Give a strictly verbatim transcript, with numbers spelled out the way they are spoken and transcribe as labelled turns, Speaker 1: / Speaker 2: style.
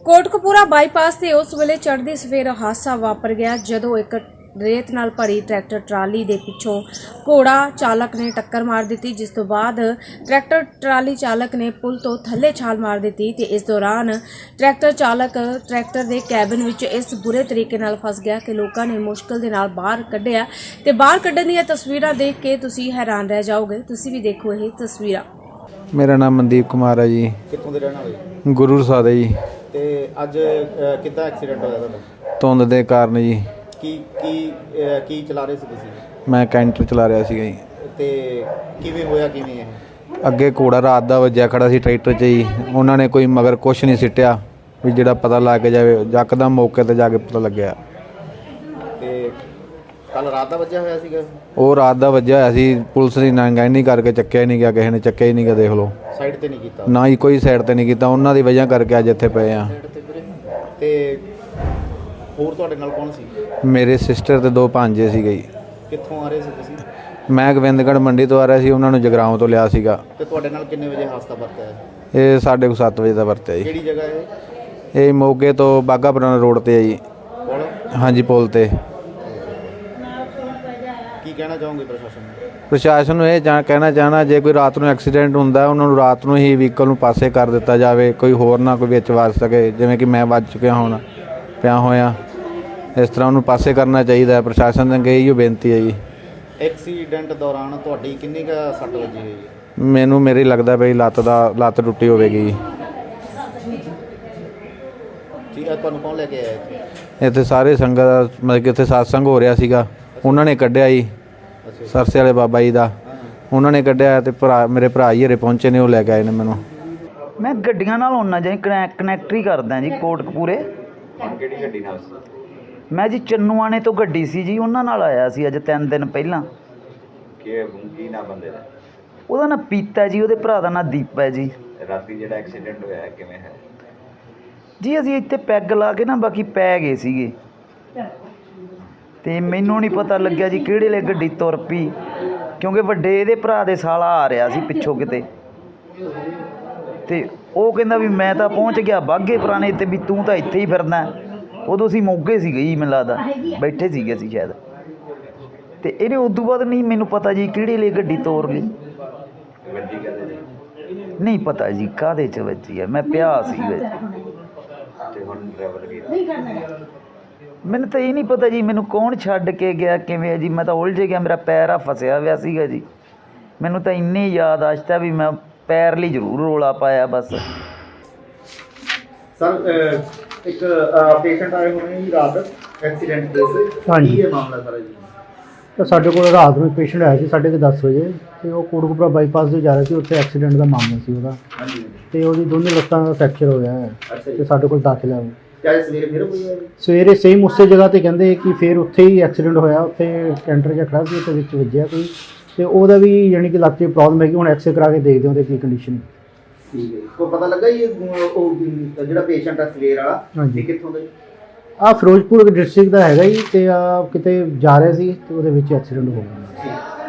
Speaker 1: Kotkapura bypass ਤੇ ਉਸ ਵੇਲੇ ਚੜ੍ਹਦੀ ਸਵੇਰ ਹਾਦਸਾ ਵਾਪਰ ਗਿਆ ਜਦੋਂ ਇੱਕ ਰੇਤ ਨਾਲ ਭਰੀ ਟਰੈਕਟਰ ਟਰਾਲੀ ਦੇ ਪਿੱਛੋਂ ਘੋੜਾ ਚਾਲਕ ਨੇ ਟੱਕਰ ਮਾਰ ਦਿੱਤੀ, ਜਿਸ ਤੋਂ ਬਾਅਦ ਟਰੈਕਟਰ ਟਰਾਲੀ ਚਾਲਕ ਨੇ ਪੁਲ ਤੋਂ ਥੱਲੇ ਛਾਲ ਮਾਰ ਦਿੱਤੀ ਤੇ ਇਸ ਦੌਰਾਨ ਟਰੈਕਟਰ ਚਾਲਕ ਟਰੈਕਟਰ ਦੇ ਕੈਬਨ ਵਿੱਚ ਇਸ ਬੁਰੇ ਤਰੀਕੇ ਨਾਲ ਫਸ ਗਿਆ ਕਿ ਲੋਕਾਂ ਨੇ ਮੁਸ਼ਕਲ ਦੇ ਨਾਲ ਬਾਹਰ ਕੱਢਿਆ ਤੇ ਬਾਹਰ ਕੱਢਣ ਦੀਆਂ ਤਸਵੀਰਾਂ ਦੇਖ ਕੇ ਤੁਸੀਂ ਹੈਰਾਨ ਰਹਿ ਜਾਓਗੇ। ਤੁਸੀਂ ਵੀ ਦੇਖੋ ਇਹ ਤਸਵੀਰਾਂ।
Speaker 2: ਮੇਰਾ ਨਾਮ ਮਨਦੀਪ ਕੁਮਾਰ ਹੈ ਜੀ।
Speaker 3: ਕਿੱਥੋਂ ਦੇ ਰਹਿਣ ਵਾਲੇ?
Speaker 2: ਗੁਰੂ ਸਾਹਿਬ ਜੀ।
Speaker 3: ਤੇ ਅੱਜ ਕਿੱਦਾਂ ਐਕਸੀਡੈਂਟ ਹੋਇਆ ਤੁਹਾਡਾ?
Speaker 2: ਧੁੰਦ ਦੇ ਕਾਰਨ ਜੀ।
Speaker 3: ਕੀ ਕੀ ਕੀ ਚਲਾ ਰਹੇ ਸੀ ਤੁਸੀਂ?
Speaker 2: ਮੈਂ ਕੈਂਟਰ ਚਲਾ ਰਿਹਾ ਸੀਗਾ ਜੀ।
Speaker 3: ਤੇ ਕਿਵੇਂ ਹੋਇਆ ਕਿਵੇਂ ਇਹ?
Speaker 2: ਅੱਗੇ ਘੋੜਾ ਰਾਤ ਦਾ ਵੱਜਿਆ ਖੜਾ ਸੀ ਟਰੈਕਟਰ 'ਚ ਜੀ। ਉਹਨਾਂ ਨੇ ਕੋਈ ਮਗਰ ਕੁਛ ਨਹੀਂ ਸਿੱਟਿਆ ਵੀ ਜਿਹੜਾ ਪਤਾ ਲੱਗ ਜਾਵੇ। ਯਕਦਮ ਮੌਕੇ 'ਤੇ ਜਾ ਕੇ ਪਤਾ ਲੱਗਿਆ।
Speaker 3: ਤੇ ਕੱਲ ਰਾਤ ਦਾ ਵੱਜਿਆ ਹੋਇਆ ਸੀਗਾ?
Speaker 2: ਉਹ ਰਾਤ ਦਾ ਵੱਜਿਆ ਹੋਇਆ ਸੀ। ਪੁਲਿਸ ਦੀ ਨਾਂਗਾਨੀ ਕਰਕੇ ਚੱਕਿਆ ਹੀ ਨਹੀਂ ਗਿਆ, ਕਿਸੇ ਨੇ ਚੱਕਿਆ ਹੀ ਨਹੀਂ ਗਿਆ। ਦੇਖ ਲਓ,
Speaker 3: ਸਾਈਡ ਤੇ ਨਹੀਂ ਕੀਤਾ
Speaker 2: ਨਾ ਹੀ ਕੋਈ ਸਾਈਡ ਤੇ ਨਹੀਂ ਕੀਤਾ। ਉਹਨਾਂ ਦੀ ਵਜ੍ਹਾ ਕਰਕੇ ਅੱਜ ਇੱਥੇ ਪਏ ਆ।
Speaker 3: ਤੇ ਹੋਰ ਤੁਹਾਡੇ ਨਾਲ ਕੌਣ ਸੀ?
Speaker 2: ਮੇਰੇ ਸਿਸਟਰ ਤੇ ਦੋ ਭਾਂਜੇ ਸੀਗੇ ਜੀ।
Speaker 3: ਕਿੱਥੋਂ ਆ ਰਹੇ ਸੀ ਤੁਸੀਂ?
Speaker 2: ਮੈਂ ਗੋਬਿੰਦਗੜ੍ਹ ਮੰਡੀ ਤੋਂ ਆ ਰਿਹਾ ਸੀ, ਉਹਨਾਂ ਨੂੰ ਜਗਰਾਓਂ ਤੋਂ ਲਿਆ ਸੀਗਾ।
Speaker 3: ਤੇ ਤੁਹਾਡੇ ਨਾਲ ਕਿੰਨੇ ਵਜੇ ਹਾਦਸਾ ਵਾਪਰਿਆ?
Speaker 2: ਇਹ ਸਾਢੇ ਕੁ ਸੱਤ ਵਜੇ ਦਾ ਵਰਤਿਆ ਜੀ।
Speaker 3: ਕਿਹੜੀ ਜਗ੍ਹਾ ਇਹ?
Speaker 2: ਇਹ ਮੋਗੇ ਤੋਂ ਬਾਘਾ ਪੁਰਾਣਾ ਰੋਡ ਤੇ ਹੈ ਜੀ।
Speaker 3: ਪੁਲ?
Speaker 2: ਹਾਂਜੀ, ਪੁਲ ਤੇ।
Speaker 3: ਕੀ ਕਹਿਣਾ ਚਾਹੋਗੇ ਪ੍ਰਸ਼ਾਸਨ ਨੂੰ?
Speaker 2: ਪ੍ਰਸ਼ਾਸਨ ਨੂੰ ਇਹ ਜਾਂ ਕਹਿਣਾ ਚਾਹਣਾ, ਜੇ ਕੋਈ ਰਾਤ ਨੂੰ ਐਕਸੀਡੈਂਟ ਹੁੰਦਾ ਉਹਨਾਂ ਨੂੰ ਰਾਤ ਨੂੰ ਹੀ ਵਹੀਕਲ ਨੂੰ ਪਾਸੇ ਕਰ ਦਿੱਤਾ ਜਾਵੇ। ਕੋਈ ਹੋਰ ਨਾ ਕੋਈ ਵਿੱਚ ਵੱਜ ਸਕੇ, ਜਿਵੇਂ ਕਿ ਮੈਂ ਵੱਜ ਚੁੱਕਿਆ ਹੁਣ ਪਿਆ ਹੋਇਆ। ਇਸ ਤਰ੍ਹਾਂ ਉਹਨੂੰ ਪਾਸੇ ਕਰਨਾ ਚਾਹੀਦਾ ਹੈ। ਪ੍ਰਸ਼ਾਸਨ ਦੇ ਅੱਗੇ ਇਹੋ ਬੇਨਤੀ ਹੈ ਜੀ।
Speaker 3: ਐਕਸੀਡੈਂਟ ਦੌਰਾਨ ਤੁਹਾਡੀ ਕਿੰਨੀ ਕੁ ਸੱਟ ਵੱਜੀ ਹੋਈ ਹੈ?
Speaker 2: ਮੈਨੂੰ ਮੇਰੀ ਲੱਗਦਾ ਬਈ ਲੱਤ ਦਾ ਲੱਤ ਟੁੱਟੀ ਹੋਵੇਗੀ ਜੀ।
Speaker 3: ਠੀਕ ਹੈ। ਤੁਹਾਨੂੰ ਕੌਣ ਲੈ ਕੇ ਆਇਆ ਇੱਥੇ?
Speaker 2: ਇੱਥੇ ਸਾਰੇ ਸੰਗਤ, ਮਤਲਬ ਕਿ ਇੱਥੇ satsang ਹੋ ਰਿਹਾ ਸੀਗਾ, ਉਹਨਾਂ ਨੇ ਕੱਢਿਆ ਜੀ। ਸਰਸੇ ਵਾਲੇ ਬਾਬਾ ਜੀ ਦਾ ਉਹਨਾਂ ਨੇ ਕੱਢਿਆ ਤੇ ਭਰਾ ਮੇਰੇ ਭਰਾ ਜੀ ਹਰੇ ਪਹੁੰਚੇ ਨੇ, ਉਹ ਲੈ ਕੇ ਆਏ ਨੇ ਮੈਨੂੰ।
Speaker 4: ਮੈਂ ਗੱਡੀਆਂ ਨਾਲ ਆਉਣਾ ਜੀ, ਕਨੈਕਟਰ ਹੀ ਕਰਦਾ ਜੀ ਕੋਟਕਪੂਰੇ।
Speaker 3: ਕਿਹੜੀ ਗੱਡੀ ਨਾਲ?
Speaker 4: ਮੈਂ ਜੀ ਚੰਨੂਆਣੇ ਤੋਂ ਗੱਡੀ ਸੀ ਜੀ, ਉਹਨਾਂ ਨਾਲ ਆਇਆ ਸੀ ਅੱਜ ਤਿੰਨ ਦਿਨ ਪਹਿਲਾਂ।
Speaker 3: ਕੀ ਕੀ ਨਾ ਬੰਦੇ ਦਾ?
Speaker 4: ਉਹਦਾ ਨਾਂ ਪੀਤਾ ਜੀ, ਉਹਦੇ ਭਰਾ ਦਾ ਨਾਂ ਦੀਪਾ ਹੈ ਜੀ।
Speaker 3: ਰਾਤੀ ਜਿਹੜਾ ਐਕਸੀਡੈਂਟ ਹੋਇਆ ਕਿਵੇਂ ਹੈ
Speaker 4: ਜੀ? ਅਸੀਂ ਇੱਥੇ ਪੈਗ ਲਾ ਕੇ ਨਾ ਬਾਕੀ ਪੈ ਗਏ ਸੀਗੇ ਤੇ ਮੈਨੂੰ ਨਹੀਂ ਪਤਾ ਲੱਗਿਆ ਜੀ ਕਿਹੜੇ ਵੇਲੇ ਗੱਡੀ ਤੁਰ ਪਈ, ਕਿਉਂਕਿ ਵੱਡੇ ਇਹਦੇ ਭਰਾ ਦੇ ਸਾਲਾ ਆ ਰਿਹਾ ਸੀ ਪਿੱਛੋਂ ਕਿਤੇ, ਤੇ ਉਹ ਕਹਿੰਦਾ ਵੀ ਮੈਂ ਤਾਂ ਪਹੁੰਚ ਗਿਆ ਬਾਘੇ ਪੁਰਾਣੇ ਤੇ ਵੀ ਤੂੰ ਤਾਂ ਇੱਥੇ ਹੀ ਫਿਰਦਾ। ਉਦੋਂ ਅਸੀਂ ਮੋਗੇ ਸੀਗੇ ਜੀ, ਮੈਨੂੰ ਲੱਗਦਾ ਬੈਠੇ ਸੀਗੇ ਅਸੀਂ ਸ਼ਾਇਦ। ਤੇ ਇਹਨੇ ਉਦੋਂ ਬਾਅਦ ਨਹੀਂ ਮੈਨੂੰ ਪਤਾ ਜੀ ਕਿਹੜੇ ਵੇਲੇ ਗੱਡੀ ਤੋਰ ਲਈ। ਨਹੀਂ ਪਤਾ ਜੀ ਕਾਹਦੇ 'ਚ ਵੱਜੀ ਹੈ, ਮੈਂ ਪਿਆ ਸੀ ਵਿੱਚ। ਮੈਨੂੰ ਤਾਂ ਇਹ ਨਹੀਂ ਪਤਾ ਜੀ ਮੈਨੂੰ ਕੌਣ ਛੱਡ ਕੇ ਗਿਆ ਕਿਵੇਂ ਜੀ। ਮੈਂ ਤਾਂ ਉਲਝ ਗਿਆ, ਮੇਰਾ ਪੈਰ ਆ ਫਸਿਆ ਹੋਇਆ ਸੀਗਾ ਜੀ। ਮੈਨੂੰ ਤਾਂ ਇੰਨੀ ਯਾਦਾਸ਼ਤ ਹੈ ਵੀ ਮੈਂ ਪੈਰ ਲਈ ਜ਼ਰੂਰ ਰੌਲਾ ਪਾਇਆ ਬਸ।
Speaker 3: ਸਰ ਇੱਕ ਪੇਸ਼ੈਂਟ ਆਏ ਹੋਣੇ ਜੀ ਰਾਤ ਐਕਸੀਡੈਂਟ ਕੇਸ।
Speaker 5: ਹਾਂਜੀ।
Speaker 3: ਕੀ ਹੈ ਮਾਮਲਾ ਸਾਰਾ ਜੀ?
Speaker 5: ਤਾਂ ਸਾਡੇ ਕੋਲ ਰਾਤ ਨੂੰ ਪੇਸ਼ੈਂਟ ਆਇਆ ਸੀ ਸਾਢੇ ਕੁ ਦਸ ਵਜੇ, ਤੇ ਉਹ ਕੋਟਕਪੂਰਾ ਬਾਈਪਾਸ ਤੇ ਜਾ ਰਿਹਾ ਸੀ। ਉੱਥੇ ਐਕਸੀਡੈਂਟ ਦਾ ਮਾਮਲਾ ਸੀ ਉਹਦਾ।
Speaker 3: ਹਾਂਜੀ।
Speaker 5: ਤੇ ਉਹਦੀ ਦੋਨੇ ਲੱਤਾਂ ਦਾ ਫ੍ਰੈਕਚਰ ਹੋਇਆ ਹੈ ਤੇ ਸਾਡੇ ਕੋਲ ਦਾਖਲ ਹੈ।
Speaker 3: ਕਿਆ ਸਵੇਰੇ ਫਿਰ ਹੋਈ ਹੈ?
Speaker 5: ਸਵੇਰੇ ਸੇਮ ਉਸੇ ਜਗ੍ਹਾ ਤੇ ਕਹਿੰਦੇ ਕਿ ਫਿਰ ਉੱਥੇ ਹੀ ਐਕਸੀਡੈਂਟ ਹੋਇਆ। ਉੱਥੇ ਕੈਂਟਰ ਜਿਹਾ ਖੜਾ ਸੀ, ਉਹਦੇ ਵਿੱਚ ਵੱਜਿਆ ਕੋਈ, ਤੇ ਉਹਦਾ ਵੀ ਯਾਨੀ ਕਿ ਲੱਤ 'ਚ ਪ੍ਰੋਬਲਮ ਹੈਗੀ। ਹੁਣ ਐਕਸਰੇ ਕਰਾ ਕੇ ਦੇਖਦੇ ਉਹਦੇ ਕੀ ਕੰਡੀਸ਼ਨ।
Speaker 3: ਠੀਕ ਹੈ। ਕੋਈ ਪਤਾ ਲੱਗਾ ਜੀ ਉਹ ਜਿਹੜਾ ਪੇਸ਼ੈਂਟ ਆ ਸਵੇਰ ਵਾਲਾ,
Speaker 5: ਹਾਂਜੀ,
Speaker 3: ਕਿੱਥੋਂ ਦਾ?
Speaker 5: ਆਹ ਫਿਰੋਜ਼ਪੁਰ ਡਿਸਟ੍ਰਿਕਟ ਦਾ ਹੈਗਾ ਜੀ, ਤੇ ਆ ਕਿਤੇ ਜਾ ਰਿਹਾ ਸੀ ਤੇ ਉਹਦੇ ਵਿੱਚ ਐਕਸੀਡੈਂਟ ਹੋ ਗਿਆ।